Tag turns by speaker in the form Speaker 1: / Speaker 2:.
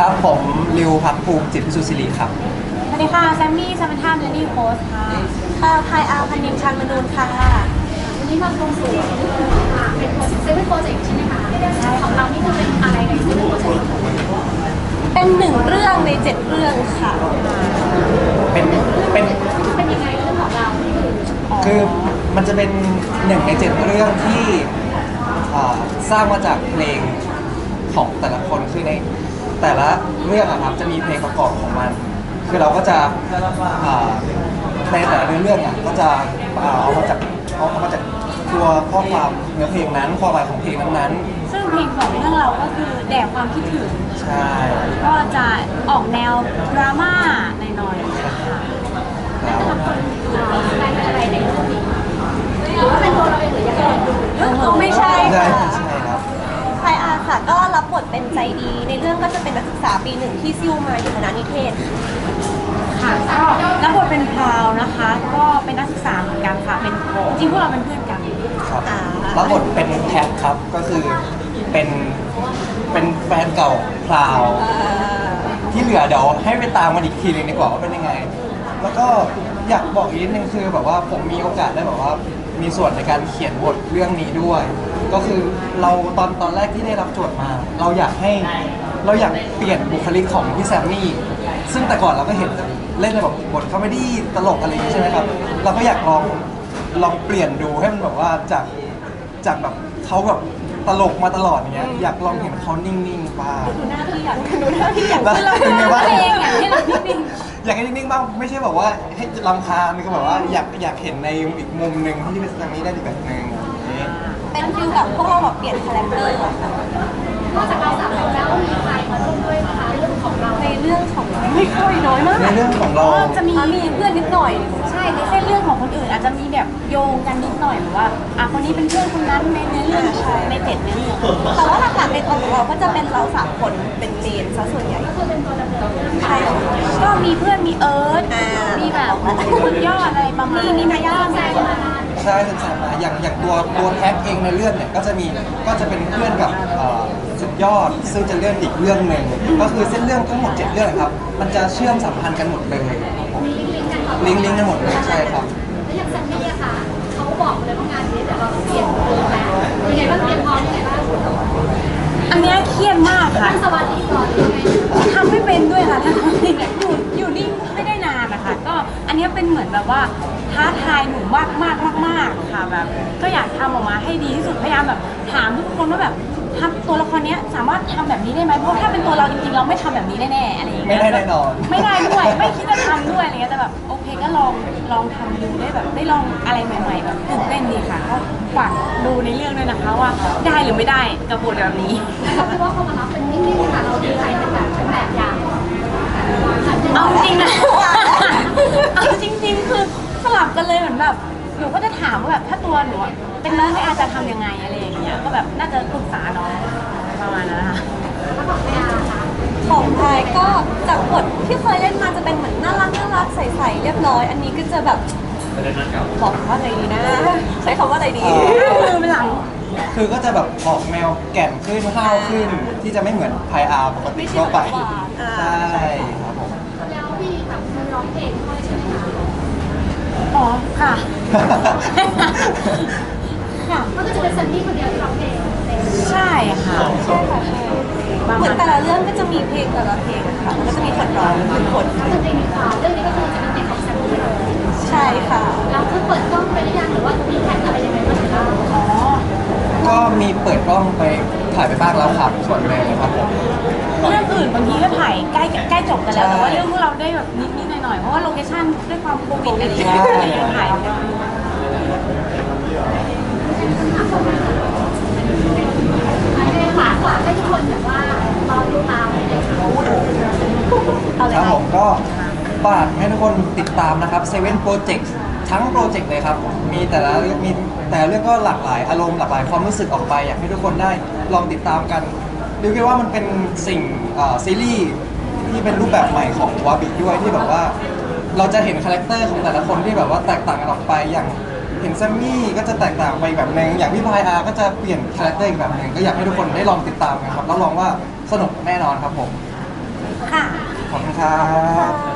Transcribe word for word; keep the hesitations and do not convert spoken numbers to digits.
Speaker 1: ครับผมริวพักภูมิจิตรพิสุทธิ์ศิริครับ
Speaker 2: สวัสดีค่ะแซมมี่ซัมธามเดนนี่โพสค่ะ
Speaker 3: ค่ะพายอาพันนิมชันมนูนค่ะ
Speaker 4: วันนี้มาตรงสู่เป็นเซเว่นโปรเจกต์ใช่ไหมคะของเรานี่คือเป็นอะไรในเซเว่นโปรเจกต์
Speaker 3: เป็นหนึ่งเรื่องในเจ็ดเรื่องค่ะ
Speaker 1: เป็นเป็น
Speaker 4: เป็นยังไงเรื่องของเรา
Speaker 1: คือมันจะเป็นหนึ่งในเจ็ดเรื่องที่อ่าสร้างมาจากเพลงของแต่ละคนคือในแต่ละเรื่องอะครับจะมีเพลงประกอบของมัน คือเราก็จะอ่าในแต่ละเรื่องอะก็จะอ่าเอามาจากเอาเอามาจากตัวข้อความเนื้อเพลงนั้นความหมายของเพลงนั้น
Speaker 2: ซึ่งเพลงของเรื่องเราก็คือแด่ความคิดถึง
Speaker 1: ๆใช่
Speaker 2: ก็จะออกแนวดราม่าหน่อยๆค่ะ
Speaker 4: แล้วแต่ละคนแปลเป็นอะไรในเรื่องนี้หรือว่าเป็นตัวเราเองหรือยังไง
Speaker 3: ไม่ใช่
Speaker 1: ใช่
Speaker 3: ค่ะ
Speaker 1: ใช่ครับ
Speaker 3: พายอาค่ะก็รับบทเป็นใจดี ในเรื่องก็จะเป็นนักศึกษาปีหนึ่งที่ซิ่วมาอยู่คณะนิเทศ
Speaker 2: ค่ะก็รับบทเป็นพราวนะคะ ก็เป็นนักศึกษาเหมือนกันค่ะเป็นจริงๆพวกเราเป็นเพื่อนกัน
Speaker 1: ครับรับบทเป็นแคทครับก็คือเป็นเป็นแฟนเก่าพราวที่เหลือเดี๋ยวให้ไปตามมันอีกทีหนึงดีกว่าว่าเป็นยังไง แล้วก็อยากบอกอีกนิดนึงคือแบบว่าผมมีโอกาสได้แบบว่ามีส่วนในการเขียนบทเรื่องนี้ด้วย ก็คือเราตอนตอนแรกที่ได้รับโจทย์มา เราอยากให้เราอยากเปลี่ยนบุคลิกของพี่แซมมี่ซึ่งแต่ก่อนเราก็เห็นเล่นในแบบบทคอมเมดี้ตลกอะไรอย่างนี้ใช่ไหมครับเราก็อยากลองลองเปลี่ยนดูให้มันแบบว่าจากจากแบบเขาแบบตลกมาตลอดอย่างเงี้ยอยากลองเห็นเขานิ่งๆบ้าง
Speaker 3: ดูหน้าที่อยากดูหน้าที่อยาก
Speaker 1: แล้วเป็นไงบ้าง
Speaker 2: เพลงอย่างที่เราพิมพ์
Speaker 1: อยากให้นิ่งๆบ้างไม่ใช่แบบว่าให้รำคาญก็แบบว่าอยากอยากเห็นในอีกมุมหนึ่งที่เป็นแซมมี่ได้อีกแบบหนึ่งอย่างนี้
Speaker 3: เป็นฟิลแบบพวกเราแบบเปลี่ยนคาแรคเตอร์อะค่ะ
Speaker 4: นอกจากเราสามคนแล้วมีใครมาร่วมด้วยนะคะเรื่องของเรา
Speaker 3: ในเรื่องของไม่ค่อยน้อยมาก
Speaker 1: ในเรื่องของเรา
Speaker 2: จะมี
Speaker 3: อ่ะมีเพื่อนนิดหน่อย
Speaker 2: ใช่ในเส้นเรื่องของคนอื่นอาจจะมีแบบโยงกันนิดหน่อยแบบว่าอ่ะคนนี้เป็นเพื่อนคนนั้นในเนื้อเรื่องในเจ็ดเนื้อเรื่อง
Speaker 3: แต่ว่าหลักๆในตัวของเราก็จะเป็นเราสามคนเป็นเมนซะส่วนใหญ่
Speaker 4: ก็คือเป็นตัวดำเนินเรื่อง
Speaker 3: ใช่
Speaker 2: ก็มีเพื่อนมีเอิร์ธ
Speaker 3: อ่ามี
Speaker 2: มีแบบสุดยอดอะไรประมาณ
Speaker 3: มีมายา
Speaker 4: แซงมา
Speaker 1: ใช่แซมมาอย่างอย่างตัวตัวแท็กเองในเรื่องเนี่ยก็จะมีก็จะเป็นเพื่อนกับเอ่อสุดยอด ซึ่งจะเรื่องอีกเรื่องหนึ่งก็คือเส้นเรื่องทั้งหมดเจ็ดเรื่องครับมันจะเชื่อมสัมพันธ์กันหมดเลย
Speaker 4: มีลิงก์กันต่อ
Speaker 1: ลิงก์ลิงก์กันหมดเลยใช่ครับ
Speaker 4: แล้วอย่างแซมมี่อะค่ะเขาบอกเลยว่างานนี้เดี๋ยวเราต้องเปลี่ยนตัวแล้วยังไงบ้างเตรียมพร้อมยังไงบ้าง
Speaker 2: อันเนี้ยเครียดมากค่ะ
Speaker 4: ตั้งสมาธิก่อนยังไง
Speaker 2: ทำไม่เป็นด้วยค่ะทำไม่เป็นอยู่อยู่นิ่งไม่ได้นานนะคะก็อันเนี้ยเป็นเหมือนแบบว่าท้าทายหนูมากมากมากมากค่ะแบบก็อยากทำออกมาให้ดีที่สุดพยายามแบบถามทุกคนว่าแบบทำตัวละครเนี้ยสามารถทำแบบนี้ได้ไหมเพราะถ้าเป็นตัวเราจริงๆเราไม่ทำแบบนี้แน่ๆอะไรอย่างเงี้ย
Speaker 1: ไม่ได้แน่นอน
Speaker 2: ไม่ได้ด้วยไม่คิดจะทำด้วยอะไรเงี้ยแต่แบบโอเคก็ลองลองทำดูได้แบบได้ลองอะไรใหม่ ๆ แบบตื่นเต้นดีค่ะก็ฝากดูในเรื่องด้วยนะคะว่าได้หรือไม่ได้กับบทแบบนี้
Speaker 4: เขาคิดว่าเขามารับเป็นนิ่งๆค่ะเราดีใจเป็นแบบเป็นแบบอย่าง
Speaker 2: เอาจริงนะ เอาจริงๆคือสลับกันเลยเหมือนแบบหนูก็จะถามว่าแบบถ้าตัวหนูอะเป็นน้องไม่อาจจะทำยังไงอะไรอย่างเงี้ยก็แบบน่าจะปรึกษาน้องประมาณนั้นนะคะ
Speaker 4: แล้วบอกไม่อาค่ะ
Speaker 3: ของพายก็จากบทที่เคยเล่นมาจะเป็นเหมือนน่ารักน่ารักใสๆเรียบร้อย อันนี้ก็จะแบบบอกว่าอะไรดีนะ ใช้คำว่าอะไรดี
Speaker 2: มือเป็นหลัง
Speaker 1: คือก็จะแบบออกแนวแก่นขึ้นห้าวขึ้น ที่จะไม่เหมือนไพอาร์ปกติทั่วไป
Speaker 3: ไม่ใช่แบบหวานอ่า
Speaker 1: ใช่ครับผม
Speaker 4: แล้วพี่แบบมันร้องเพลงด้วยใช่ไหมคะ
Speaker 2: อ๋อค่ะ ค่ะ
Speaker 4: ก็จะเป็นแซมมี่คนเดียวที่ร้องเพลง
Speaker 2: ใช่ค่ะ
Speaker 3: ใช่ค่ะใช่เหมือนแต่ละเรื่องก็จะมีเพลงแต่ละเพลงอะค่ะมันก็จะมีคนร้องเป็นคน
Speaker 4: ก็คือเพลงนี้ค่ะเรื่องนี้ก็คือจะเป็นเพลงของแซมมี่เลย
Speaker 3: ใช่ค่ะ
Speaker 4: แล้วคือเปิดกล้องไปหรือยังหรือว่ามีแผนอะไรยังไงบ้างคะ
Speaker 2: อ๋อ
Speaker 1: ก็มีเปิดกล้องไปถ่ายไปบ้างแล้วครับส่วนหนึ่งครับผม
Speaker 2: เรื่องอื่นบางทีก็ถ่ายใกล้ใกล้จบกันแล้วแต่ว่าเรื่องพวกเราได้แบบนิดๆหน่อยๆเพราะว่าโลเคชั่นด้วยความโควิดอะไรอย่างเงี้ยก็เลยยังถ่ายไม่ได้
Speaker 4: อันนี้ฝากฝากให้ทุกคนแบบว่ารอดูตามเลยค่ะ
Speaker 3: เอาเลย
Speaker 1: ครับ
Speaker 3: ค่ะ
Speaker 1: ผมก็ฝากให้ทุกคนติดตามนะครับ เซเว่น Project ทั้งโปรเจกต์เลยครับ มีแต่ละเรื่องมีแต่ละเรื่องก็หลากหลายอารมณ์หลากหลายความรู้สึกออกไป อยากให้ทุกคนได้ลองติดตามกันดูคิดว่ามันเป็นสิ่งเอ่อซีรีส์ที่เป็นรูปแบบใหม่ของวาบิด้วยที่แบบว่า เราจะเห็นคาแรคเตอร์ของแต่ละคนที่แบบว่าแตกต่างกันออกไปอย่างเห็นแซมมี่ก็จะแตกต่างไปอีกแบบหนึ่งอย่างพี่พายอาร์ก็จะเปลี่ยนคาแรคเตอร์อีกแบบหนึ่งก็อยากให้ทุกคนได้ลองติดตามกันครับแล้วลองว่าสนุกแน่นอนครับผม
Speaker 2: ค่ะ
Speaker 1: ขอบคุณครับ